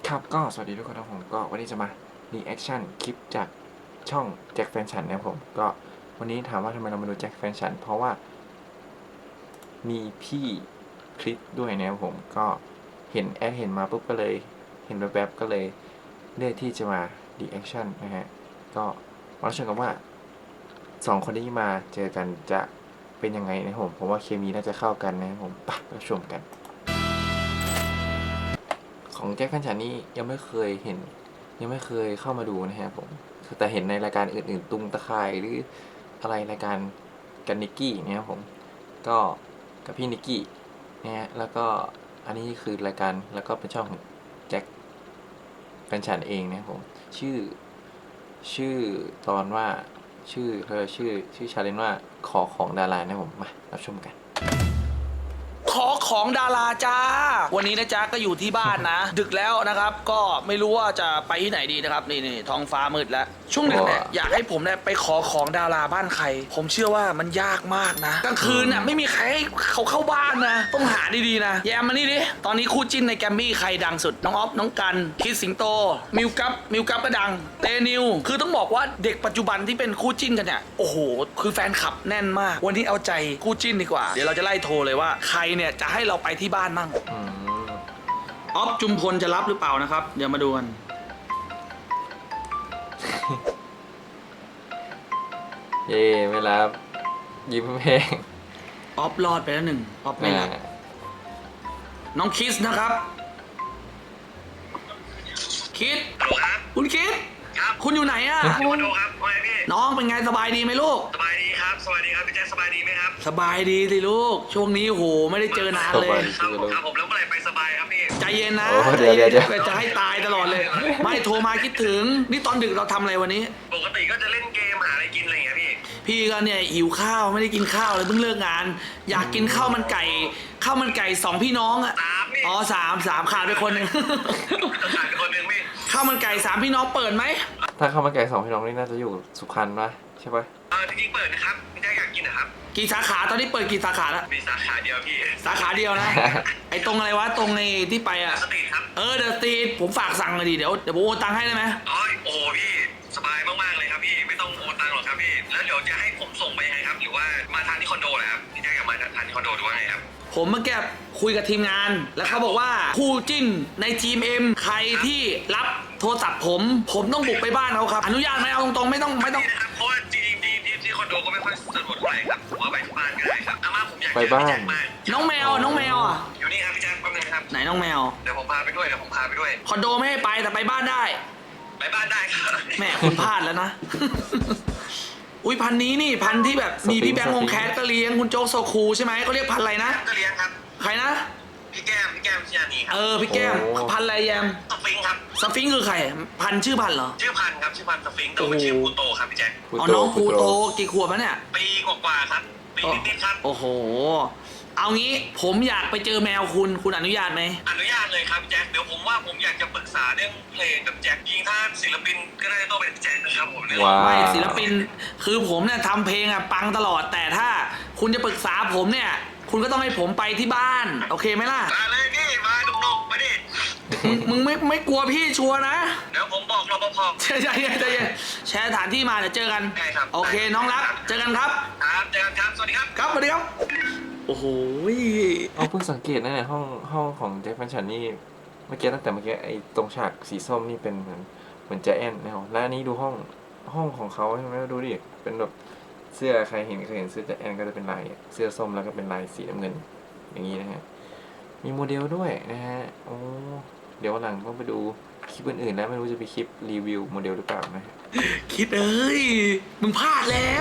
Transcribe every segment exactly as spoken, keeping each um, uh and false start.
ครับก็สวัสดีทุกคนนะผมก็วันนี้จะมา รีแอคชั่น คลิปจากช่องแจ็คแฟนฉันนะครับผมก็วันนี้ถามว่าทำไมเรามาดูแจ็คแฟนฉันเพราะว่ามีพี่คลิปด้วยนะครับผมก็เห็นแอดเห็นมาปุ๊บก็เลยเห็นแวบๆก็เลยเลือกที่จะมา รีแอคชั่น นะฮะก็มาชมกันว่าสองคนนี้มาเจอกันจะเป็นยังไงนะครับผมผมว่าเคมีน่าจะเข้ากันนะครับผมไปรับชมกัน ของแจ็คแฟนฉันนี่ยังไม่เคยเห็นยังไม่เคยเข้ามาดูนะฮะผมแต่เห็นในรายการอื่นๆตุงตะไคร่หรืออะไรรายการกันนิกกี้เนี่ยผมก็กับพี่นิกกี้นะฮะแล้วก็อันนี้คือรายการแล้วก็เป็นช่องของแจ็คแฟนฉันเองนะผมชื่อชื่อตอนว่าชื่อเธอชื่อชื่อชาเลนจ์ว่าขอของดารานะผมมารับชมกันขอของดาราจ้าวันนี้นะจ๊ะก็อยู่ที่บ้านนะ ดึกแล้วนะครับก็ไม่รู้ว่าจะไปที่ไหนดีนะครับนี่นี่ท้องฟ้ามืดแล้วช่วงดึกเนี่ยอยากให้ผมเนี่ยไปขอของดาราบ้านใครผมเชื่อว่ามันยากมากนะกลางคืนน่ะไม่มีใครให้เขาเข้าบ้านนะต้องหาดีๆนะแยมมานี่ดิตอนนี้คู่จิ้นในแกมมี่ใครดังสุดน้องออฟน้องกันคิดสิงโตมิวกัปมิวกัปก็ดังเตนิวคือต้องบอกว่าเด็กปัจจุบันที่เป็นคู่จิ้นกันเนี่ยโอ้โหคือแฟนคลับแน่นมากวันนี้เอาใจคู่จิ้นดีกว่าเดี๋ยวเราจะไล่โทรเลยว่าใครเนี่ยจะให้เราไปที่บ้านมั่งออฟจุมพลจะรับหรือเปล่านะครับเดี๋ยวมาดูกันเย่ไม่รับยิ้มแห้งออฟรอดไปแล้วหนึ่งออฟไม่รับน้องคิสนะครับคิดคุณคิดคุณอยู่ไหนอะอยู่คอนโดครับว่าไงพี่น้องเป็นไงสบายดีไหมลูกสบายดีครับ สวัสดีครับพี่แจ๊คสบายดีไหมครับสบายดีสิลูกช่วงนี้โหไม่ได้เจอนานเลยครับผมครับผมแล้วเมื่อไหร่ไปสบายครับพี่ใจเย็นนะโอ้เดี๋ยวเดี๋ยวเดี๋ยวจะให้ตายตลอดเลย ไม่โทรมาคิดถึงนี่ตอนดึกเราทำอะไรวันนี้ปกติก็จะเล่นเกมหาอะไรกินอะไรอย่างเงี้ยพี่พี่ก็เนี่ยหิวข้าวไม่ได้กินข้าวเลยเพิ่งเลิกงาน อยากกินข้าวมันไก่ข้าวมันไก่สองพี่น้องอะสามนี่อ๋อสามสามขาดไปคนหนึ่งจะขาดไปคนหนึ่งพี่ข้าวมันไก่สามพี่น้องเปิดไหมถ้าเข้ามาไก่สองพี่น้องนี่น่าจะอยู่สุพรรณปะใช่ปะเออจริงๆเปิดนะครับพี่แจ๊คอยากกินนะครับกี่สาขาตอนนี้เปิดกี่สาขาแล้วมีสาขาเดียวพี่สาขาเดียวนะ ไอ้ตรงอะไรวะตรงในที่ไปอะสตรีทครับเออเดอะสตรีทผมฝากสั่งเลยดิเดี๋ยวเดี๋ยวผมโอนตังค์ให้ได้ไหมอ๋อโอ้พี่สบายมากๆเลยครับพี่ไม่ต้องโอนตังค์หรอกครับพี่แล้วเดี๋ยวจะให้ผมส่งไปยังไงครับหรือว่ามาทานที่คอนโดเลยครับพี่แจ๊คอยากมาทานที่คอนโดหรือว่าไงครับผมเมื่อกี้คุยกับทีมงาน แล้วเขาบอกว่าคู่จิ้นในทีมเอ็มใครที่รับโทรศัพท์ผม ผมต้องบุกไปบ้านเขาครับ อนุญาตไหมเอาตรงๆไม่ต้องไม่ต้องนี่นะครับเพราะว่าจริงๆที่ที่ที่คอนโดก็ไม่ค่อยสะดวกเท่าไหร่ครับผมว่าไปที่บ้านก็ได้ครับอาม่าผมอยากไปเจอบ้าพี่นแจ็คมากน้องแมวน้องแมวอ่ะอยู่นี่ครับพี่แจ็คแป๊บนึงครับไหนน้องแมวเดี๋ยวผมพาไปด้วยเดี๋ยวผมพาไปด้วยคอนโดไม่ให้ไปแต่ไปบ้านได้ไปบ้านได้ครับแม่คุณพลาดแล้วนะ อุ้ยพันนี้นี่พันที่แบบมีพี่แบงค์วงแคสก็เลี้ยงคุณโจ๊กโซคูใช่ไหมเขาเรียกพันอะไรนะก็เลี้ยงครับใครนะพี่แก้มพี่แก้มชิยานีครัเอบ อพี่แก้มโอ้พันอะไรแยมสฟิงค์ครับสฟิงค์คือใครพันชื่อพันเหรอชื่อพันธุ์ครับชื่อพันธุ์สฟิงค์แต่ว่าชื่อพูโตครับพี่แจ็คพูอ๋อโตน้องพูภูโตโตกี่ขวบแล้วเนี่ยปีกว่าๆครับปีนิดๆครับโอ้โห เอางี้ผมอยากไปเจอแมวคุณคุณอนุญาตไหมอนุญาตเลยครับพี่แจ็คเดี๋ยวผมว่าผมอยากจะปรึกษาเรื่องเพลงกับแจ็คยิงถ้าศิลปินก็น่าจะต้องเป็นแจ็คนะครับผมเนี่ยว้าวไม่ศิลปินคือผมเนี่ยทำเพลงอะปังตลอด แต่ถ้าคุณจะปรึกษาผมเนี่ย คุณก็ต้องให้ผมไปที่บ้าน โอเคไหมล่ะมาเลยนี่มาดุกๆมาดิมึงมึงไม่ไม่กลัวพี่ชัวร์นะเดี๋ยวผมบอกรปภใจเย็นใจเย็นแชร์สถานที่มาเดี๋ยวเจอกันได้ครับโอเคน้องรักเจอกันครับครับเจอกันครับสวัสดีครับครับสวัสดีครับ โอ้โหเอาเพิ่งสังเกตนะเนี่ยห้องห้องของแจ็คแฟนฉันนี่เมื่อกี้ตั้งแต่เมื่อกี้ไอ้ตรงฉากสีส้มนี่เป็นเหมือนเหมือนแจแอนนะครับแล้วอันนี้ดูห้องห้องของเขาใช่ไหมดูดิเป็นแบบเสื้อใครเห็นเคยเห็นเสื้อแจแอนก็จะเป็นลายเสื้อส้มแล้วก็เป็นลายสีน้ำเงินอย่างนี้นะฮะมีโมเดลด้วยนะฮะโอ้เดี๋ยววันหลังต้องไปดูคลิปอื่นๆแล้วไม่รู้จะไปคลิปรีวิวโมเดลหรือเปล่านะฮะคิดเอ้ย มึงพลาดแล้ว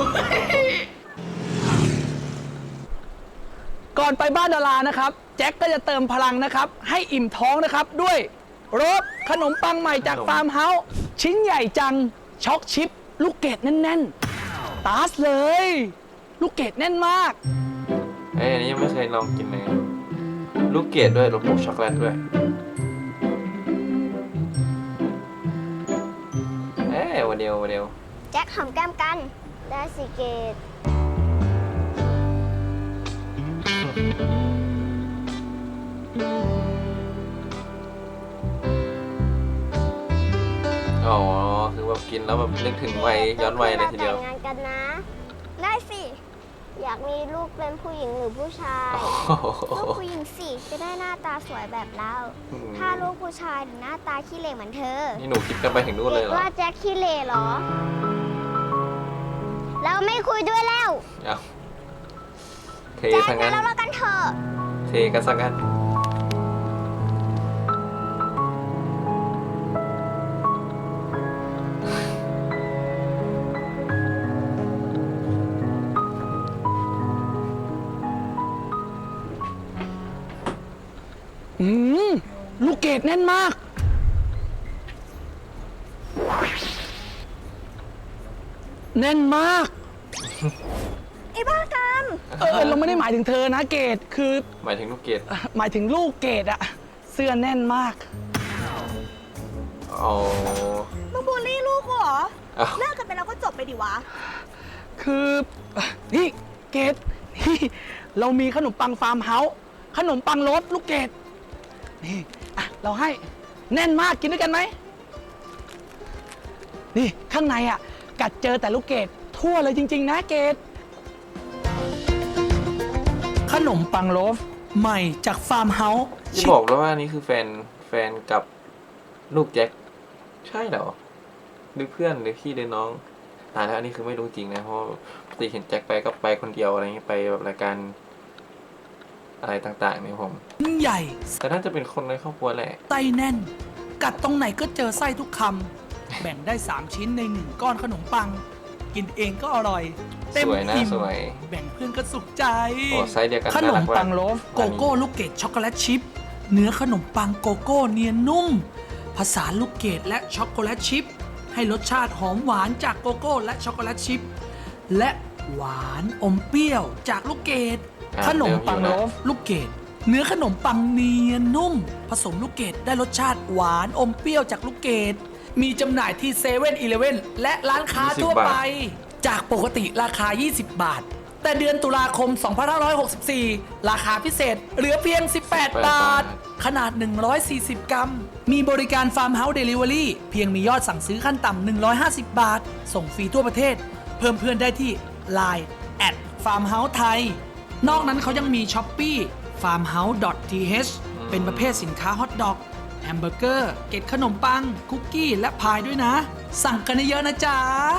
ก่อนไปบ้านดารานะครับ แจ็คก็จะเติมพลังนะครับ ให้อิ่มท้องนะครับ ด้วยโรสขนมปังใหม่จากฟาร์มเฮาส์ชิ้นใหญ่จัง ช็อกชิป ลูกเกดแน่นๆ ตาสเลย ลูกเกดแน่นมากเอ้ยอันนี้ยังไม่เคยลองกินเลยลูกเกดด้วยรสโมกช็อกโกแลตด้วยเอ้ยโมเดลโมเดลแจ็คหอมแก้มกัน ได้สิเกตอกินแล้วแบบนึกถึงวัยย้อนวัยเลยทีเดียวแต่งงานกันนะ ได้สิ อยากมีลูกเป็นผู้หญิงหรือผู้ชาย ลูกผู้หญิงสิจะได้หน้าตาสวยแบบเราอืมถ้าลูกผู้ชายหน้าตาขี้เหร่เหมือนเธอนี่หนูคิดกันไปถึงนู่นเลเด็ยกเหรอว่าแจ็คขี้เหร่เหรอ เราไม่คุยด้วยแล้วเอาเทแจ็คซะไปงั้นแล้วเรากันเถอะเทกันซะงั้นอืมลูกเกดแน่นมาก แน่นมากไอ้บ้ากรรมเออเราไม่ได้หมายถึงเธอนะเกดคือหมายถึงลูกเกดหมายถึงลูกเกดอะเสื้อแน่นมากอ๋อมึงบูลลี่ลูกกูเหรอเอาเลิกกันไปแล้วก็จบไปดิวะคือนี่เกดนี่เรามีขนมปังฟาร์มเฮาส์ขนมปังรสลูกเกดนี่อ่ะเราให้แน่นมากกินด้วยกันไหมนี่ข้างในอ่ะกัดเจอแต่ลูกเกดทั่วเลยจริง ๆ นะเกดขนมปังโลฟใหม่จากฟาร์มเฮาส์ที่บอกแล้วว่านี่คือแฟนแฟนกับลูกแจ็คใช่เหรอหรือเพื่อนหรือพี่หรือน้องอ่าแล้วอันนี้คือไม่รู้จริงนะเพราะปกติเห็นแจ็คไปก็ไปคนเดียวอะไรเงี้ยไปแบบรายการอะไรต่างๆเนี่ยผมใหญ่แต่น่าจะเป็นคนในครอบครัวแหละไส้แน่น กัดตรงไหนก็เจอไส้ทุกคำ แบ่งได้ สาม ชิ้นในหนึ่งก้อนขนมปัง กินเองก็อร่อย เต็มสวยนะอิ่มสวยแบ่งเพื่อนก็สุขใจโอ้ไซส์เดียวกันขนน่าม รักปังโลฟโกโก้ลูกเกดช็อกโกแลตชิพ เนื้อขนมปังโกโก้เนียนนุ่ม ผสานลูกเกดและช็อกโกแลตชิพ ให้รสชาติหอมหวานจากโกโก้และช็อกโกแลตชิพ และหวานอมเปรี้ยวจากลูกเกดอ่ะขนมปังเริ่โลอยู่ฟลูกเกดเนื้อขนมปังเนียนนุ่ม ผสมลูกเกดได้รสชาติหวานอมเปรี้ยวจากลูกเกดมีจำหน่ายที่เซเว่นอีเลฟเว่นและร้านค้าทั่วไป จากปกติราคา ยี่สิบบาท แต่เดือนตุลาคม สองพันห้าร้อยหกสิบสี่ ราคาพิเศษเหลือเพียง สิบแปด บาท ขนาด หนึ่งร้อยสี่สิบ กรัม มีบริการฟาร์มเฮาส์เดลิเวอรี่เพียงมียอดสั่งซื้อขั้นต่ำหนึ่งร้อยห้าสิบ บาท ส่งฟรีทั่วประเทศ เพิ่มเพื่อนได้ที่ ไลน์ แอท ฟาร์มเฮาส์ไทย นอกนั้นเขายังมี ช้อปปี้ ฟาร์มเฮาส์ ดอท ที เอช เป็นประเภทสินค้าฮอทดอก แฮมเบอร์เกอร์ เกล็ดขนมปัง คุกกี้ และพายด้วยนะ สั่งกันเยอะๆนะจ๊ะ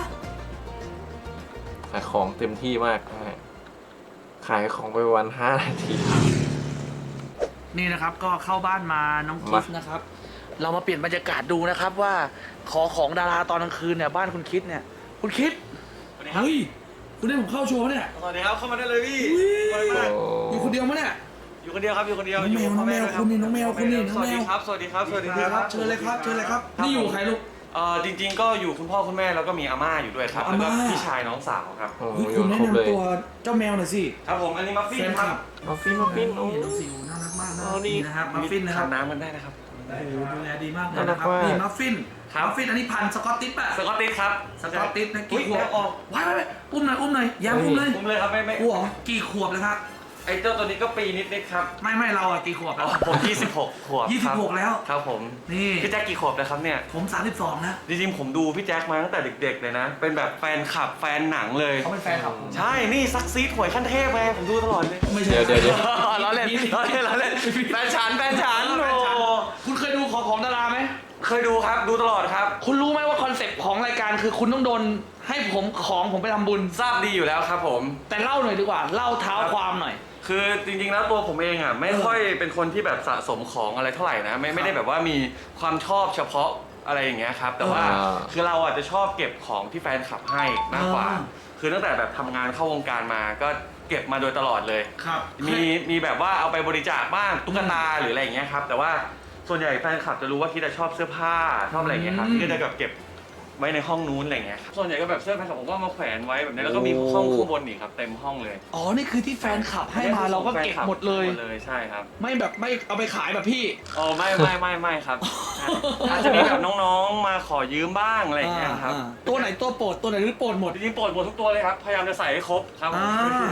ขายของเต็มที่มากนะฮะขายของไปวันห้านาทีนี่นะครับก็เข้าบ้านมาน้องคิดมานะครับ เรามาเปลี่ยนบรรยากาศดูนะครับว่าขอของดาราตอนกลางคืนเนี่ยบ้านคุณคิดเนี่ยคุณคิดเฮ้ยคุณได้ผมเข้าโชว์เนี่ยสวัสดีครับเข้ามาได้เลยพี่โอ้อยู่คนเดียวมั้ยเนี่ยอยู่คนเดียวครับอยู่คนเดียวน้องแมวยู่กับพ่น้องแมวด้วยรับคุณนี่น้องแมวคุณนี่น้องแมวสวัสดีครับสวัสดีครับสวัสดีครับเชิญเลยครับเชิญเลยครับนี่อยู่ใครลูกเอ่อจริง ๆ ก็อยู่คุณพ่อคุณแม่แล้วก็มีอาม่าอยู่ด้วยครับอาแล้วม่าก็พี่ชายน้องสาวครับโหเฮ้ยอคุยู่ณแนะครบเลยนำตัวเจ้าแมวหน่อยสิครับผมอันนี้มัฟฟินแฟนคครัลับบมาฟินมาฟินโอ้นี่น้องสิวน่ารักมากนะอ๋อนี่นี่นะครับมัฟฟินนะครับทานน้ำกันได้นะครับโอ้โหดูแลดีมากเลยน่ารันะกครับมากนี่มัฟฟินครับมัฟฟินอันนี้พันธุ์สกอตติชป่ะสกอตติชครับสกอตติชนะอุ๊กี่ยขวบแม่ออกว้ายว้ายว้ายอุ้มหน่อยอุ้มหน่อยแย้มอุ้มเลยผมเลยครับไม่ไม่กูเหรอกี่ขวบแล้วครับไอ้เจ้าตัวนี้ก็ปีนิดๆครับไม่ไม่เราอะกี่ขวบอ๋แล้อวผมยี่สิบหกขวบยี่สิบหกครับแล้วครับผมนี่พี่แจ็คกี่ขวบแล้วครับเนี่ยผมสามสิบสองนะจริงๆผมดูพี่แจ็คมาตั้งแต่เด็ก ๆ เลยนะ เป็นแบบแฟนคลับแฟนหนังเลยเขาเป็นแฟนคลับผมใช่ นี่ซักซีดหวยขั้นเทพไงผมดูตลอดเลยไม่ใช่เดี๋ยวเดี๋ยวเดี๋ยวล้อเล่นล้อเล่นล้อเล่นแฟนฉันแฟนฉันแฟนฉันโอ้คุณเคยดูของของดาราไหมเคยดูครับ ดูตลอดครับคุณรู้ไหมว่าคอนเซ็ปต์ของรายการคือคุณต้องโดนให้ผมของผมไปทำบุญทราบดีอยู่แล้วครับผมแต่เล่าหน่อยดีกว่า เล่าเท้าความหน่อยคือจริงๆแล้วตัวผมเองอ่ะไม่ค่อยเป็นคนที่แบบสะสมของอะไรเท่าไหร่นะ ไม่ไม่ได้แบบว่ามีความชอบเฉพาะอะไรอย่างเงี้ยครับ แต่ว่าอ่าคือเราอ่ะจะชอบเก็บของที่แฟนคลับให้มากกว่าอ่าคือตั้งแต่แบบทำงานเข้าวงการมาก็เก็บมาโดยตลอดเลยครับมีมีแบบว่าเอาไปบริจาคบ้างตุ๊กตาหรืออะไรอย่างเงี้ยครับแต่ว่าส่วนใหญ่แฟนคลับจะรู้ว่าคิดจะชอบเสื้อผ้าชอบอะไรอย่างเงี้ยครับอืมก็จะแบบเก็บไว้ในห้องนู้นอะไรอย่างเงี้ยครับส่วนใหญ่ก็แบบเสื้อแฟนคลับผมก็มาแขวนไว้แบบนี้แล้วก็มีห้องข้างบนอีกครับเต็มห้องเลยอ๋อ นี่คือที่แฟนคลับให้มาเราก็เก็บหมดเลยหมดเลยใช่ครับไม่แบบไม่เอาไปขายแบบพี่อ๋อไม่ไม่ไม่ไม่ครับอาจจะมีแบบน้องๆมาขอยืมบ้างอะไรอย่างเงี้ยครับอ่าตัวไหนตัวโปรดตัวไหนหรือโปรดหมดจริงๆโปรดหมดทุกตัวเลยครับพยายามจะใส่ให้ครบครับผมอ่า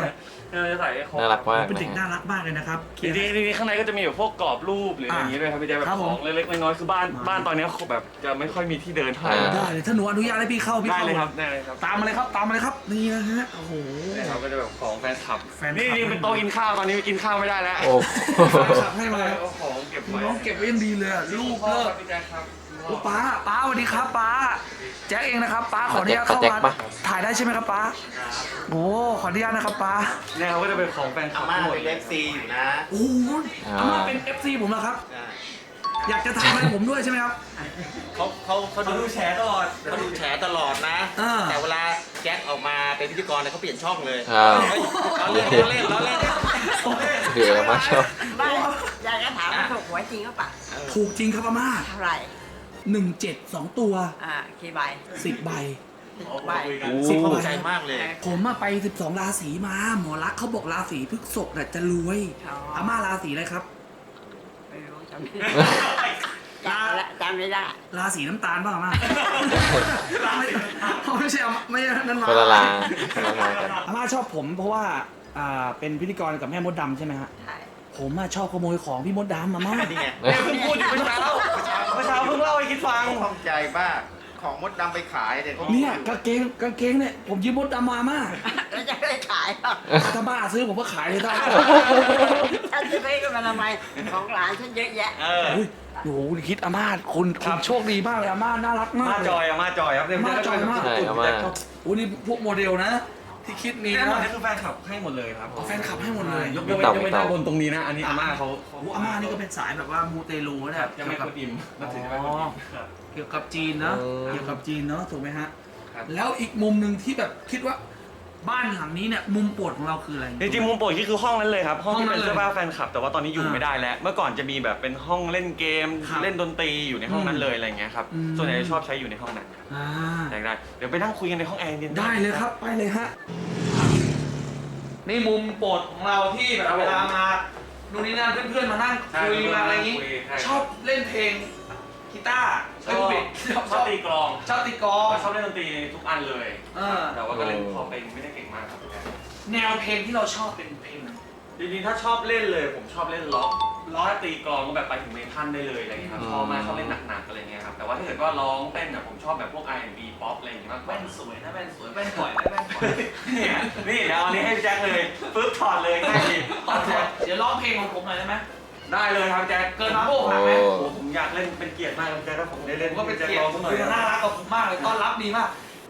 เราจะใส่ให้ครบน่ารักมากเป็นนะเด็กน่าฮะรักมากเลยนะครับจริงๆจริงๆข้างในก็จะมีแบบพวกกรอบรูปหรืออะไรอย่างงี้ด้วยครับพี่แจ๊คแบบครับขผมองเล็กๆน้อยๆคือบ้านบ้านตอนนี้แบบจะไม่ค่อยมีที่เดินเท่าไหร่อ่าได้เลยถ้าหนูอนุญาตให้พี่เข้าพี่ได้เข้าเลยครับได้เลยครับตามมาเลยครับตามมาเลยครับนี่นะฮะโอ้โหนี่ครับก็จะแบบของแฟนคลับแฟนคลับนี่นี่เป็นโต๊ะกินข้าวตอนนี้กินข้าวไม่ได้แล้วโอ้ขับให้มาเอาของเก็บไว้น้องเก็บไว้ยังดีเลยอะลูกพ่อเลิคกรับพี่แจ๊คครับโอ้ป้าป้าสวัสดีครับป้าแจ็คเองนะครับป้าขออนุญาตเข้าแจ็คมาปะถ่ายได้ใช่ไหมครับป้าโอ้ขออนุญาตนะครับป้าเนี่ยเขาก็จะเป็นของแฟนคลัอาบม่าทั้งหมดเป็นเลเอย ฟซีอยู่นะโอ้โหอ่าอาม่าเป็น เอฟ ซี ผมเหรอครับใช่อยากจะทำให้ผมด้วยใช่ไหมครับเขาเขาเขาเขาดูดูแชร์ตลอดเขาดูแฉตลอดนะอ่าแต่เวลาแจ็คออกมาเป็นพิธีกรเนี่ยเขาเปลี่ยนช่องเลยอ้าวเขาเล่นเขาเล่นเขาเล่นเดี๋ยวมาชอบไม่อยากจะถามว่าถูกหวยจริงหรือเปล่าถูกจริงครับอาม่าเท่าไหร่หนึ่งเจ็ดสองตัวอ่ากี่ใบสิบใบใบสิบภูใบมิใจมากเลยผมมาไปสิบสองราศีมาหมอรักษณ์เขาบอกราศีพฤษภน่ะจะรวยอาม่าราศีอะไรครับไม่รู้จำไม่ได้จำละจำไม่ได้ราศีน้ำตาลป่ะอาม่าไม่ไม่ใช่อาม่าไม่ใช่นั่นมาคนละลาคนละลากันอาม่าชอบผมเพราะว่าอ่าเป็นพิธีกรกับแม่มดดำใช่ไหมฮะใช่ผมอะชอบขโมยของพี่มดดำอาม่านี่ไงเนี่ยเพิ่งพูดอยู่เมื่อเช้าเมื่อเช้าเพิ่งเล่าให้คิดฟังข้องใจมากของมดดำไปขายเนี่ยเขาเนี่ยกางเกงกางเกงเนี่ยผมยืมมดดำมาอาม่าแล้วจะได้ขายเหรอถ้าบ้าซื้อผมก็ขายเลยได้ฉันจะไปกันมาทำไมของหลานฉันเยอะแยะเออเฮ้ยโอ้โหคิดอาม่าคุณคุณโชคดีมากเลยอาม่าน่ารักมากมาเลยจอยอะมาจอยครับเนี่ยมาจอยมากใช่อาม่าโอ้นี่พวกโมเดลนะ ที่คิดนี้นี่นะนะนี่คือแฟนคลับให้หมดเลยครับเอาแฟนคลับให้หมดเลยยกยกเว้นยกเว้นด้านบนตรงนี้นะ อันนี้อาม่าเขาโอ้โหอาม่านี่ก็เป็นสายแบบว่ามูเตลูนะคครัรับบ ยังไม่กดอิ่มนับถือไม่กดอิ่มครับเกี่ยวกับจีนเนาะอืมเกี่ยวกับจีนเนาะถูกไหมฮะครับแล้วอีกมุมหนึ่งที่แบบคิดว่าบ้านหลังนี้เนี่ยมุมโปรดของเราคืออะไรจริงๆมุมโปรดที่คือห้องนั้นเลยครับ ห้องที่ห้องนั้เป็น นเลยเสื้อผ้าแฟนคลับ แต่ว่าตอนนี้อยู่อ่าไม่ได้แล้ว เมื่อก่อนจะมีแบบเป็นห้องเล่นเกมครับเล่นดนตรีอยู่ในห้องนั้นเลยอะไรเงี้ยครับอืมส่วนใหญ่จะชอบใช้อยู่ในห้องนั้นครับอ่าได้ได้เดี๋ยวไปนั่งคุยกันในห้องแอร์เย็นได้เลยครับไปเลยฮะนี่มุมโปรดของเราที่แบบเวลามานู่นนี่นั่นเพื่อนๆมานั่งคุยมาอะไรอย่างนี้ ชอบเล่นเพลงกีตาร์ชเอ้ยอบผิดชอบตีกลองชอบตีกลองชอบเล่นดนตรีทุกอันเลยเออแต่ว่าก็เล่นพอเป็นไม่ได้เก่งมากครับแนวเพลงที่เราชอบเป็นเพลงไหนจริงๆ ถ้าชอบเล่นเลย ผมชอบเล่นล็อกล็อกตีกลองก็แบบไปถึงเมทัลได้เลยอะไรเงี้ยครับอืมชอบมากชอบเล่นหนักๆอะไรเงี้ยครับ แต่ว่าถ้าเกิดว่าร้องเต้นอ่ะผมชอบแบบพวก อาร์ แอนด์ บี ป๊อปอะไรอย่างเงี้ยมากกว่าแว่นสวยนะแว่นสวยแว่นปล่อยแว่นปล่อยนี่นี่เดี๋ยวอันนี้ให้พี่แจ็คเลยปึ๊บถอดเลยง่ายดีเดี๋ยวร้องเพลงของผมหน่อยได้ไหมได้เลยครับแจ็คเกินมาโบกหักไหมโอ้โอ้ผมอยากเล่นเป็นเกียรติมากครับแจ็คถ้าผมได้เล่นผมก็เป็นแจ็คเกียรร้ติองสักหน่อยคุณน่ารักกับผมมากเลยต้อนรับดีมาก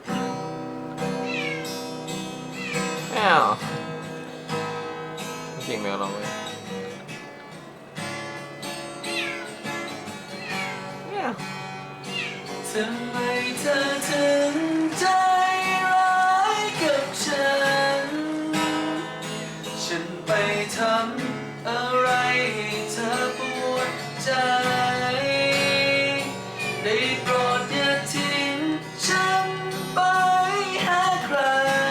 แอ้าวเสียงแมวร้องเลยแอ้าวทำไมเธอถึงใจร้ายกับฉัน ฉันไปทำอะไรให้เธอปวดใจ ได้โปรดอย่าทิ้งฉันไปหาใคร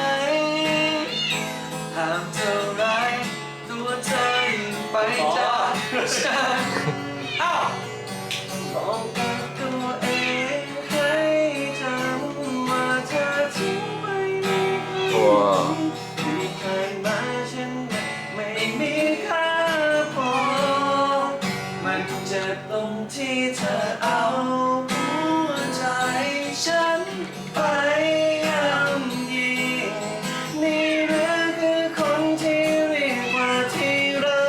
ห้ามเท่าไรตัวเธอยิ่งไปจากฉัน อ้าว บอกกับตัวเองให้จำว่าเธอทิ้งไปไม่เคยตัวที่ผ่านมาฉันไม่มีค่าพอมันเจ็บตรงที่เธอเอาหัวใจฉันไปย่ำยีนี่หรือคือคนที่เรียกว่าที่รั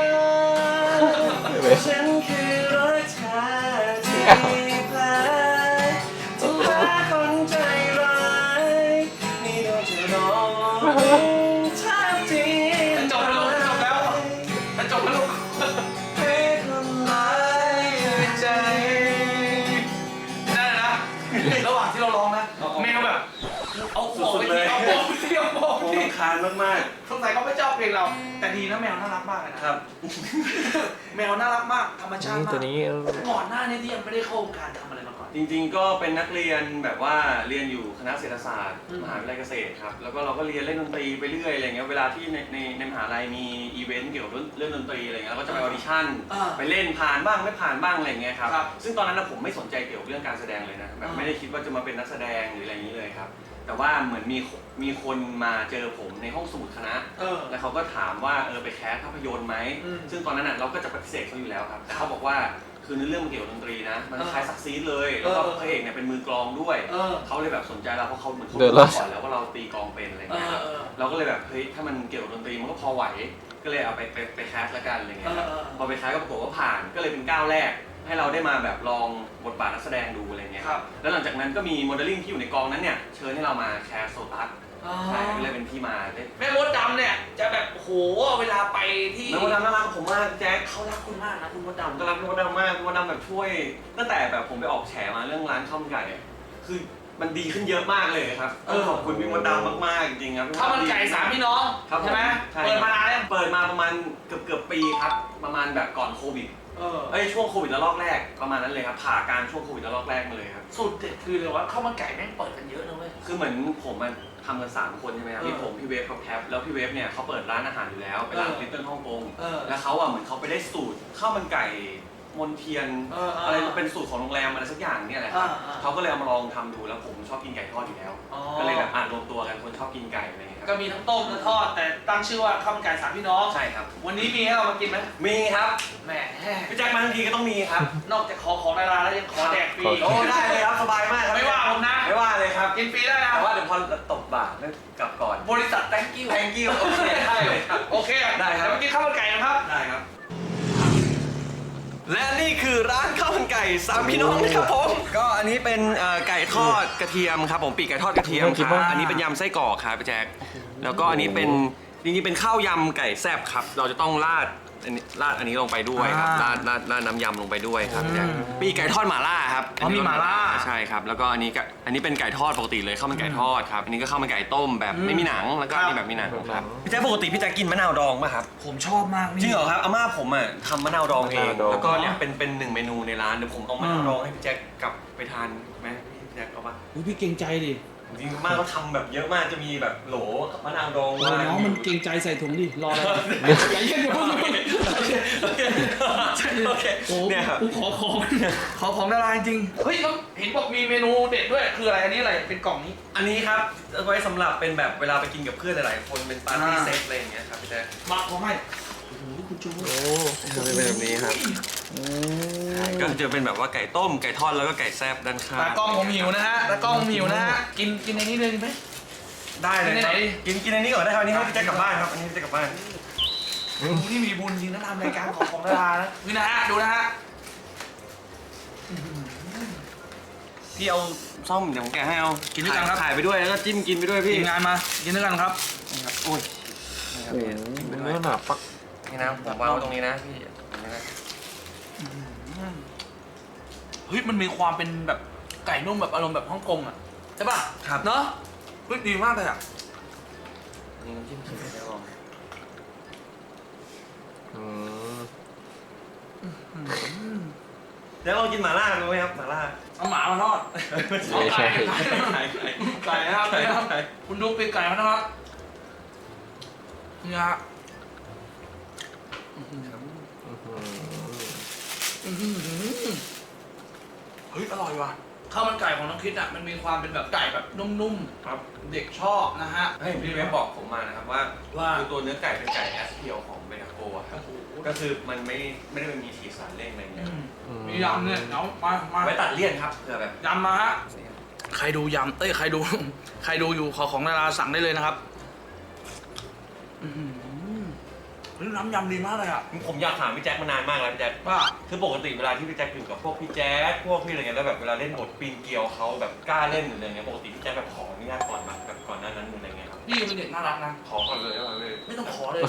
ก ฉันคือรักแท้ที่แพ้ที่แพ้คนใจร้ายนี่โดนเธอร้องแทบทีจบแล้วจบแล้วจบแล้วให้คนร้ายใจได้นะระหว่างที่เราร้องนะแมวแบบเอาหัวไปที่เอาหัวไปที่เอาหัวโอ้ไปที่คานมากสงสัยเขาไม่ชอบเพลงเรา แต่ดีนะแมวน่ารักมากเลยนะๆครับแมวน่ารักมากธรรมชาตินี่มากตัวนี้ก่อนหน้านี้ที่ยังไม่ได้เข้าวงการทำอะไรมาก่อนจริงๆ ก็เป็นนักเรียนแบบว่าเรียนอยู่คณะเศรษฐศาสตร์อืมมหาวิทยาลัยเกษตรครับ แล้วก็เราก็เรียนเล่นดนตรีไปเรื่อยอะไรเงี้ย เวลาที่ในในในมหาลัยมีอีเวนต์เกี่ยวกับเรื่องดนตรีอะไรเงี้ยเราก็จะไปออดิชั่นอ่าไปเล่นผ่านบ้างไม่ผ่านบ้างอะไรเงี้ยครับครับซึ่งตอนนั้นนะผมไม่สนใจเกี่ยวกับเรื่องการแสดงเลยนะ แบบอ่าไม่ได้คิดว่าจะมาเป็นนักแสดงหรืออะไรอย่างนี้เลยครับแต่ว่าเหมือนมีมีคนมาเจอผมในห้องสมุดคณะเออแล้วเขาก็ถามว่าเออไปแคสภาพยนตร์ไหมอืมซึ่งตอนนั้นน่ะเราก็จะปฏิเสธเขาอยู่แล้วครับแต่เขาบอกว่าคือเนื้อเรื่องมันเกี่ยวกับดนตรีนะมันคล้ายซักซีดเลยแล้วก็เออพระเอกเนี่ยเป็นมือกลองด้วยเออเขาเลยแบบสนใจเราเพราะเขาเหมือนเขาเดี๋ยวรู้เราก่อนแล้วว่าเราตีกลองเป็นอะไรเอเงี้ยอครับเออเราก็เลยแบบเฮ้ยถ้ามันเกี่ยวกับดนตรีมันก็พอไหวก็เลยเอาไปไปไปแคสละกันอะไรเงี้ยครับเออเออพอไปแคสก็ปรากฏว่าผ่านก็เลยเป็นก้าวแรก ให้เราได้มาแบบลองบทบาทนักแสดงดูอะไรเงี้ยครับแล้วหลังจากนั้นก็มีโมเดลลิ่งที่อยู่ในกองนั้นเนี่ยเชิญให้เรามาแคสโซตัสใช่ก็เลยเป็นที่มาได้แม่มดดำเนี่ยจะแบบโอ้โหเวลาไปที่แล้วมดดำน่ารักกับผมมากแจ็คเขารักคุณมากนะคุณมดผมดำก็รักมดดำมากมดดำแบบช่วยตั้งแต่แบบผมไปออกแฉมาเรื่องร้านข้าวมันไก่อะคือมันดีขึ้นเยอะมากเลยครับต้องขอบคุณพี่มดดำมากๆจริงๆครับข้าวมันไก่สามพี่น้องครับใช่ไหมใช่เปิดมานานแล้วเปิดมาประมาณเกือบเกือบปีครับประมาณแบบก่อนโควิดเออเอ้ยช่วงโควิดระลอกแรกประมาณนั้นเลยครับผ่ากลารช่วงโควิดระลอกแรกมาเลยครับสูตรเด็ดคือเลยว่าข้าวมันไก่แม่งเปิดกันเยอะนะเว้ยคือเหมือนผมมันทำกันสามคนใช่ไหมครับเออมีผมพี่เวฟกับแคปแล้วพี่เวฟเนี่ยเขาเปิดร้านอาหารอยู่แล้วเป็นร้านเออลิตเติ้ลฮ่องกงเออแล้วเขาอ่ะเหมือนเขาไปได้สูตรข้าวมันไก่มนเทียนเออเออออะไรเป็นสูตรของโรงแรมอะไรสักอย่างเนี่ยแหละครับอ่าอ่าเขาก็เลยเอามาลองทำดูแล้วผมชอบกินไก่ทอดอยู่แล้วอ๋อก็เลยแบบอ่านรวมตัวกันคนชอบกินไก่อะไรอย่างเงี้ยคก็รับมีทั้งต้มและทอดแต่ตั้งชื่อว่าข้าวมันไก่สามพี่น้องใช่ครับวันนี้มีให้เรามากินไหมมีครับแหมพี่แจ็คมาทั้งทีก็ต้องมีครับนอกจากขอของดาราแล้วยังขอแดกฟรีโอ้ได้เลยครับสบายมากครับไม่ว่าผมนะไม่ว่าเลยครับกินฟรีได้นะแต่ว่าเดี๋ยวพอตบบาทแล้วกลับก่อนบริษัท thank you thank you โอเคได้เลยครับโอเคได้ครับเดี๋ยวมากินข้าวมันไก่นะครับได้ครับ และนี่คือร้านข้าวมันไก่สามพี่น้องนะครับผมก็อันนี้เป็นเอ่อไก่ทอดกระเทียมครับผมปีกไก่ทอดกระเทียมน่ากิคน รับมากอันนี้เป็นยำไส้กรอกครับพี่แจ๊คแล้วก็อันนี้เป็นจริงๆเป็นข้าวยำไก่แซ่บครับเราจะต้องราดอันนี้ราดอันนี้ลงไปด้วยครับราดราดราดน้ำยำลงไปด้วยครับพี่แจ๊คปีกไก่ทอดหม่าล่าครับอ๋อมีหม่าล่าใช่ครับแล้วก็อันนี้ก็อันนี้เป็นไก่ทอดปกติเลยข้าวมันไก่ทอดครับอันนี้ก็ข้าวมันไก่ต้มแบบไม่มีหนังแล้วก็อันนี้แบบมีหนังครับพี่แจ๊คปกติพี่แจ๊คกินมะนาวดองป่ะครับผมชอบมากจริงเหรอครับอาม่าผมอ่ะทำมะนาวดองเองมะนาวดองแล้วก็เนี่ยเป็นเป็นหนึ่งเมนูในร้านเดี๋ยวผมเอามะนาวดองให้พี่แจ็คกลับไปทานไหมพี่แจ็คเอาปะอุ๊ยพี่เกรงใจดิจริงๆอาม่าเขาทำแบบเยอะมากจะมีแบบโหลกับมะนาวดองเออน้องมันเกรงใจใส่ถุงดิ รออะไรอย่าเย็นอย่าเพิ่งโอเคโอเคโอ้เนี่ยครับกูขอของขอของดาราจริงๆเฮ้ยแล้วเห็นบอกมีเมนูเด็ดด้วยคืออะไรอันนี้อะไรเป็นกล่องนี้อันนี้ครับเอาไว้สำหรับเป็นแบบเวลาไปกินกับเพื่อนหลายๆคนเป็นปาร์ตี้อ่าเซตอะไรอย่างเงี้ยครับพี่แจ็คมาขอให้โอ้โหคุณโจโอ้จะเป็นแบบนี้ครับก็จะเป็นแบบว่าไก่ต้มไก่ทอดแล้วก็ไก่แซ่บด้านข้างตากล้องผมหิวนะฮะตากล้องผมหิวนะฮะกินกินในนี้เลยดีไหมได้เลยครับไหนกินกินอันนี้ก่อนได้ครับอันนี้ให้พี่แจ็คกลับบ้านครับอันนี้ให้พี่แจ็คกลับบ้านนี่มีบุญจริงนะทำรายการของของดารานะนี่นะฮะดูนะฮะพี่เอาซ่อมเดี๋ยวผมแกะให้เอากิกินด้วยกันครับถ่ายไปด้วยแล้วก็จิ้มกินไปด้วยพี่ทีมงานมากินด้วยกันครับนี่ครับโอ้ยนี่ครับโอ้พี่โหจิ้มไปด้วเนื้ยอหนาปักนี่นะผมวางไว้ตรงนี้นะพี่ตรงนี้นะเฮ้ยมันมีความเป็นแบบไก่นุ่มแบบอารมณ์แบบฮ่องกงอ่ะใช่ป่ะครับเนาะเฮ้ยดีมากเลยอ่ะนี่น้ำจิ้มเค็มได้ลองอืมเดี๋ยวลองกินหม่าล่าดูไหมครับหม่าล่าเอาหมามาทอดไม่ใช่ไก่ไก่นะครับไก่นะครับคุณดูปีกไก่มานะครับนี่ฮะอื้อหืออื้อหือเฮ้ยอร่อยว่ะข้าวมันไก่ของน้องคิดอ่ะมันมีความเป็นแบบไก่แบบนุ่มครับๆเด็กชอบนะฮะให้พี่เวฟบอกผมมานะครับว่าว่าคือตัวเนื้อไก่เป็นไก่แอสเพียวของเบนาโกะครับก็คือมันไม่ไม่ได้มีสีสันเร่งอะไรเงี้ยมียำเนี่ยเอามามาไว้ตัดเลี่ยนครับเผื่อแบบยำมาฮะใครดูยำเอ้ยใครดู ใครดูอยู่ขอของดาราสั่งได้เลยนะครับอื้อหือเฮ้ยน้ำยำดีมากเลยอ่ะผมอยากถามพี่แจ็คมานานมากแล้วพี่แจ็คว่าคือปกติเวลาที่พี่แจ็คอยู่กับพวกพี่แจ๊คพวกพี่อะไรเงี้ยแล้วแบบเวลาเล่นบทปีนเกลียวเขาแบบกล้าเล่นหรืออะไรเงี้ยปกติพี่แจ็คแบบขออนุญาตก่อนมาแบบก่อนหน้านั้นหรืออะไรเงี้ยครับพี่เป็นเด็กน่ารักนะขอก่อนเลยว่าเลยไม่ต้องขอเลย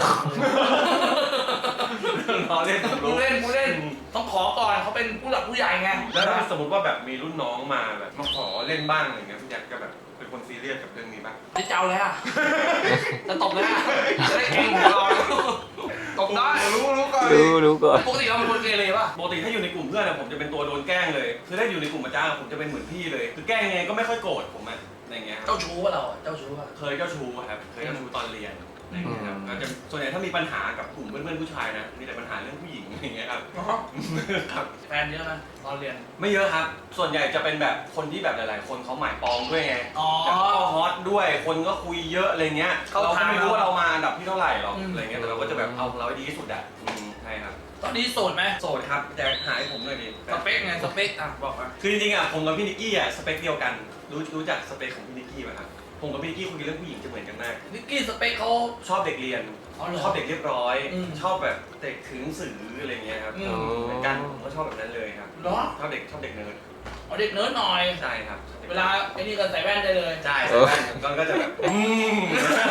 รอเล่นผมกูรู้เล่นกูเล่น ต้องขอก่อนเขาเป็นผู้หลักผู้ใหญ่ไงแล้วถ้าสมมติว่าแบบมีรุ่นน้องมาแบบมาขอเล่นบ้างอะไรเงี้ยพี่แจ็คก็แบบเป็นคนซีเรียสกับเรื่องนี้ป่ะจะเจ้าเลยอ่ะจะตบเลยอ่ะจะได้เก่งหัวเราตบได้รู้รู้ก่อนรู้รู้ก่อนปกติเราเป็นคนเกเรป่ะปกติถ้าอยู่ในกลุ่มเพื่อนอะผมจะเป็นตัวโดนแกล้งเลยคือถ้าอยู่ในกลุ่มอาจารย์ผมจะเป็นเหมือนพี่เลยคือแกล้งยังไงก็ไม่ค่อยโกรธผมอะอะไรเงี้ยครับเจ้าชู้ป่ะเราเจ้าชู้ป่ะเคยเจ้าชู้ครับเคยเจ้าชู้ตอนเรียนอะไรเงี้ยครับก็จะส่วนใหญ่ถ้ามีปัญหากับกลุ่มเพื่อนๆผู้ชายนะมีแต่ปัญหาเรื่องผู้หญิงอะไรเงี้ยครับแฟนเยอะไหมตอนเรียนไม่เยอะครับ ส่วนใหญ่จะเป็นแบบคนที่แบบหลาย ๆ คนเขาหมายปองด้วยไงอ๋อแบบเข้าฮอตด้วย คนก็คุยเยอะอะไรเงี้ยเข้าเราก็ทางไม่รู้ว่าเรามาอันดับที่เท่าไหร่หรอกอืมอะไรเงี้ย แต่เราก็จะแบบเอาของเราให้ดีที่สุดอ่ะอืมใช่ครับตอนนี้โสดไหมโสดครับแต่หาให้ผมหน่อยดิสเปคไงสเปคอ่ะบอกมาคือจริงๆอ่ะผมกับพี่นิกกี้อ่ะสเปคเดียวกัน รู้รู้จักสเปคของพี่นิกกี้ไหมครับ ผมกับพี่นิกกี้คุยเรื่องผู้หญิงจะเหมือนกันมากนิกกี้สเปคเขาชอบเด็กเรียนอ๋อเหรอชอบเด็กเรียบร้อยอืมชอบแบบเด็กถือหนังสืออะไรเงี้ยครับอืมเหมือนกันผมก็ชอบแบบนั้นเลยครับเหรอชอบเด็กชอบเด็กเนิร์ดเอาเด็กเนิร์ดหน่อยใช่ครับชอบด็กเวลาไอ้นี่ก็ใส่แว่นได้เลยใช่ใช่ใช่ก็จะแบบอืม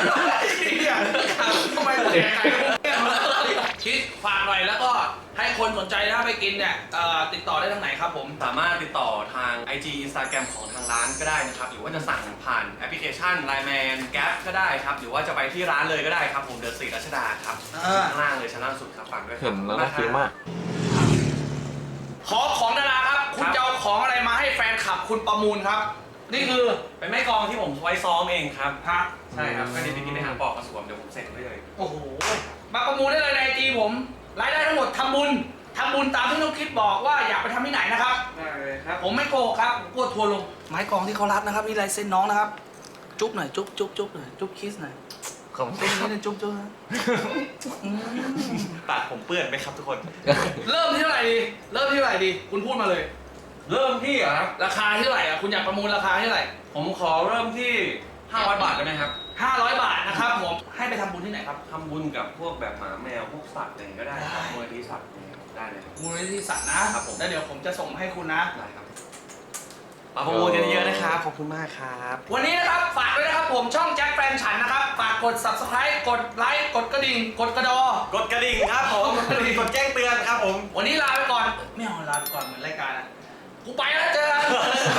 ทำไมแจกใครคิดฝากหน่อยแล้วก็ให้คนสนใจถ้าไปกินเนี่ยเอ่อติดต่อได้ทางไหนครับผมสามารถติดต่อทาง ไอ จี Instagram ของทางร้านก็ได้นะครับ หรือว่าจะสั่งผ่านแอปพลิเคชัน ไลน์ แมน แก๊ปก็ได้ครับ หรือว่าจะไปที่ร้านเลยก็ได้ครับ ผมเดอะสตรีทรัชดาครับอ่าข้างล่างเลยชั้นล่างสุดครับฝากด้วยครับเห็นแล้วน่ากินมากขอของดาราครับ คุณจะเอาของอะไรมาให้แฟนคลับคุณประมูลครับ นี่คือเป็นไม้กลองที่ผมไว้ซ้อมเองครับฮะใช่ครับก็นี่ไปกินในหางปอกกระสวมเดี๋ยวผมเสร็จให้เลยโอ้โห มาประมูลได้เลยในไอจีผม รายได้ทั้งหมดทำบุญทำบุญตามที่น้องคิดบอกว่าอยากไปทำที่ไหนนะครับได้เลยครับผมไม่โกหกครับผมกลัวทัวร์ลง ไม้กองที่เขารับนะครับ นี่ลายเซ็นน้องนะครับ จุ๊บหน่อย จุ๊บจุ๊บจุ๊บหน่อย จุ๊บคิสหน่อยขอบคุณจุ๊บนี่นะจุ๊บจุ๊บนะอืมปากผมเปื้อนไหมครับทุกคนเริ่มที่เท่าไหร่ดี เริ่มที่เท่าไหร่ดี คุณพูดมาเลยเริ่มที่เหรอครับราคาที่เท่าไหร่อ่ะ คุณอยากประมูลราคาที่เท่าไหร่ผมขอเริ่มที่ห้าร้อยบาทได้ไหมครับห้าร้อยบาทนะครับผม ให้ไปทำบุญที่ไหนครับทำบุญกับพวกแบบหมาแมวพวกสัตว์อะไรอย่างเงี้ยก็ได้ครับได้มูลนิธิสัตว์ได้เลยครับมูลนิธิสัตว์นะครับผมแล้วเดี๋ยวผมจะส่งให้คุณนะได้ครับมาประมูลกันเยอะๆนะครับ ขอบคุณมากครับวันนี้นะครับฝากด้วยนะครับผมช่องแจ็คแฟนฉันนะครับ ฝากกด ซับสไครบ์ กดไลค์ กดกระดิ่ง กดกระดอกดกระดิ่งครับผมกดกระดิ่งกดแจ้งเตือนครับผมวันนี้ลาไปก่อน ไม่เอาลาไปก่อนเหมือนรายการอะกูไปแล้วเจอกัน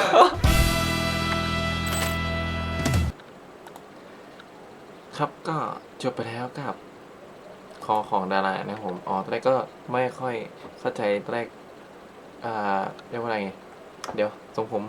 ครับก็จบไปแล้วกับคอของดารานะครับผมอ๋อตอนแรกก็ไม่ค่อยเข้าใจตอนแรกอ่าเรียกว่าอะไรไงเดี๋ยวทรงผม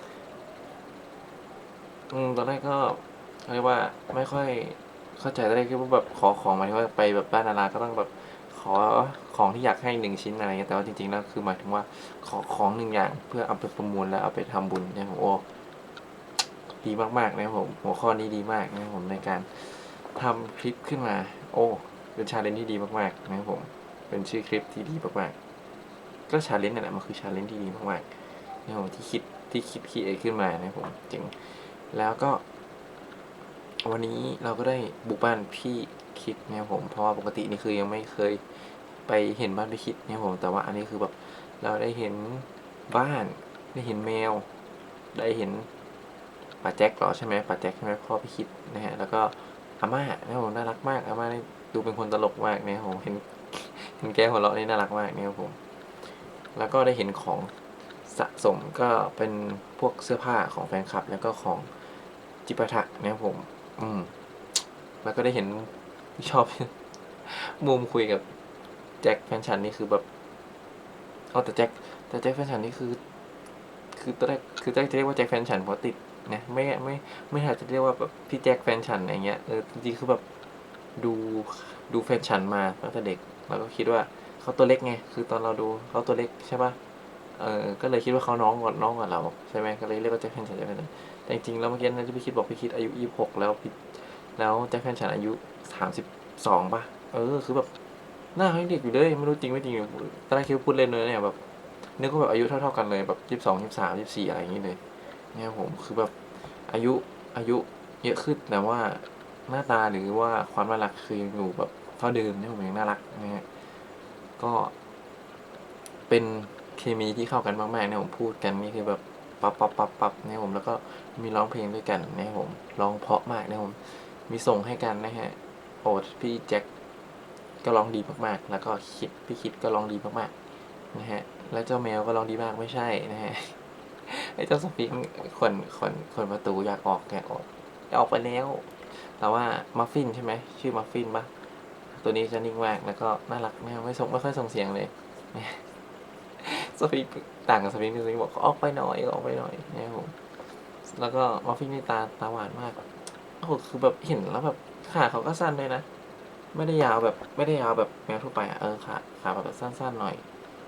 อืมตอนแรกก็เขาเรียกว่าไม่ค่อยเข้าใจตอนแรกคิดว่าแบบขอของหมายถึงว่าไปแบบบ้านดาราก็ต้องแบบขอของที่อยากให้หนึ่งชิ้นอะไรเงี้ยแต่ว่าจริงๆแล้วคือหมายถึงว่าขอของหนึ่งอย่างเพื่อเอาไปประมูลแล้วเอาไปทำบุญเนี่ยผมโอ้ดีมากๆนะครับผมหัวข้อนี้ดีมากนะครับผมในการทำคลิปขึ้นมาโอ้เป็นชาเลนจ์ที่ดีมากๆนะครับผมเป็นชื่อคลิปที่ดีมากๆก็ชาเลนจ์นั่นแหละมันคือชาเลนจ์ที่ดีมากๆนะครับผมที่คิดที่คิดคิดขึ้นมานะครับผมจริงแล้วก็วันนี้เราก็ได้บุกบ้านพี่คิดนะครับผมเพราะว่าปกตินี่คือยังไม่เคยไปเห็นบ้านพี่คิดนะครับผมแต่ว่าอันนี้คือแบบเราได้เห็นบ้านได้เห็นแมวได้เห็นป่าแจ็คเหรอใช่ไหมป่าแจ็คใช่ไหมพ่อพี่คิดนะฮะแล้วก็อาม่านะครับผมน่ารักมากอาม่านี่ดูเป็นคนตลกมากนะครับผมเห็นเห็นแกหัวเราะนี่น่ารักมากนะครับผมแล้วก็ได้เห็นของสะสมก็เป็นพวกเสื้อผ้าของแฟนคลับแล้วก็ของจิปาถะนะครับผมอืมแล้วก็ได้เห็นชอบ มุมคุยกับแจ็คแฟนฉันนี่คือแบบเอาแต่แจ็คแต่แจ็คแฟนฉันนี่คือ คือตอนแรกคือแจ็คจะเรียกว่าแจ็คแฟนฉันเพราะติดนะไม่ไม่ไม่อาจจะเรียกว่าแบบพี่แจ็คแฟนฉันอะไรเงี้ยเออจริงๆคือแบบดูดูแฟนฉันมาตั้งแต่เด็กแล้วก็คิดว่าเขาตัวเล็กไงคือตอนเราดูเขาตัวเล็กใช่ป่ะเออก็เลยคิดว่าเขาน้องกว่าน้องกว่าเราใช่ไหมก็เลยเรียกว่าแจ็คแฟนฉันแจ็คแฟนฉันแต่จริงๆแล้วเมื่อกี้นั้นที่พี่คิดบอกพี่คิดอายุยี่สิบหกแล้วพี่แล้วแจ็คแฟนฉันอายุสามสิบสองป่ะเออคือแบบหน้าเขายังเด็กอยู่เลยไม่รู้จริงไม่จริงตอนแรกคิดว่าพูดเล่นเลยเนี่ยแบบนึกว่าแบบอายุเท่าๆกันเลยแบบยี่สิบสองยี่สิบสามยี่สิบสี่อะไรอย่างนี้เลยเนี่ยผมคือแบบอายุอายุเยอะขึ้นแต่ว่าหน้าตาหรือว่าความน่ารักคือยังอยู่แบบเท่าเดิมเนี่ยผมยังน่ารักนะฮะก็เป็นเคมีที่เข้ากันมากๆเนี่ยผมพูดกันนี่คือแบบปั๊บปั๊บปั๊บปั๊บเนี่ยผมแล้วก็มีร้องเพลงด้วยกันนะครับผมร้องเพราะมากนะผมมีส่งให้กันนะฮะโอ้พี่แจ็คก็ร้องดีมากๆแล้วก็คิดพี่คิดก็ร้องดีมากๆนะฮะแล้วเจ้าแมวก็ร้องดีมากไม่ใช่นะฮะไอ้เจ้าสฟิงค์คนคนคนประตูอยากออกอยากออกอยากออกไปแล้วแต่ว่ามัฟฟินใช่ไหมชื่อมัฟฟินปะตัวนี้จะนิ่งมากแล้วก็น่ารักแมวไม่ส่งไม่ค่อยส่งเสียงเลยสฟิงค์ต่างกับสฟิงค์ที่สฟิงค์บอกออกไปหน่อยออกไปหน่อยนะครับผมแล้วก็มัฟฟินนี่ตาตาหวานมากโอ้โหคือแบบเห็นแล้วแบบขาเขาก็สั้นเลยนะไม่ได้ยาวแบบไม่ได้ยาวแบบแมวทั่วไปอ่ะเออขาขาแบบสั้นๆหน่อย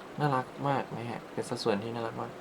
น่ารักมากนะฮะเป็นสัดส่วนที่น่ารักมาก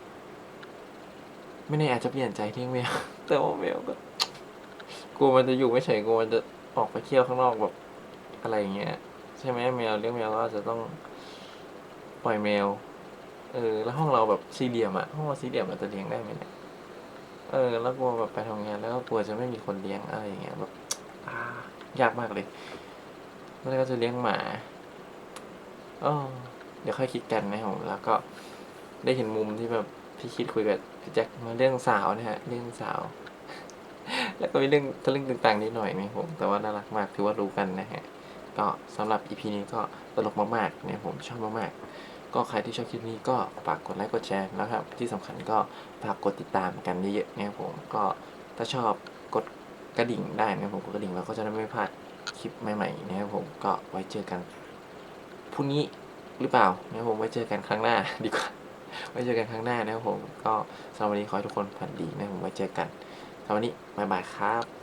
ไม่แน่อาจจะเปลี่ยนใจทิ้งแมว แต่ว่าแมวก็กลัวมันจะอยู่ไม่เฉยกลัวมันจะออกไปเที่ยวข้างนอกแบบอะไรอย่างเงี้ยใช่ไหมแมวเลี้ยงแมวก็อาจจะต้องปล่อยแมวเออแล้วห้องเราแบบสี่เหลี่ยมอะห้องเราสี่เหลี่ยมเราจะเลี้ยงได้ไหมเนี่ยเออแล้วกลัวแบบไปทำงานแล้วก็กลัวจะไม่มีคนเลี้ยงอะไรอย่างเงี้ยแบบอ่ายากมากเลยแล้วก็จะเลี้ยงหมาอ๋อเดี๋ยวค่อยคิดกันนะครับผมแล้วก็ได้เห็นมุมที่แบบพี่คิดคุยกับพี่แจ็คมาเรื่องสาวนะฮะเรื่องสาว แล้วก็มีเรื่องทะลึ่งต่างๆนิดหน่อยนะครับผมแต่ว่าน่ารักมากถือว่ารู้กันนะฮะก็สำหรับ อี พี นี้ก็ตลกมากๆเนี่ยผมชอบมากๆก็ใครที่ชอบคลิปนี้ก็ฝากกดไลค์กดแชร์แล้วครับที่สำคัญก็ฝากกดติดตามกันเยอะๆนะครับผมก็ถ้าชอบกดกระดิ่งได้นะครับผมกดกระดิ่งแล้วก็จะได้ไม่พลาดคลิปใหม่ๆนะครับผมก็ไว้เจอกันพรุ่งนี้หรือเปล่านะครับผมไว้เจอกันครั้งหน้า ดีกว่าไว้เจอกันครั้งหน้านะครับผมก็สำหรับวันนี้ขอให้ทุกคนฝันดีนะครับผมไว้เจอกันสำหรับวันนี้บ๊ายบายครับ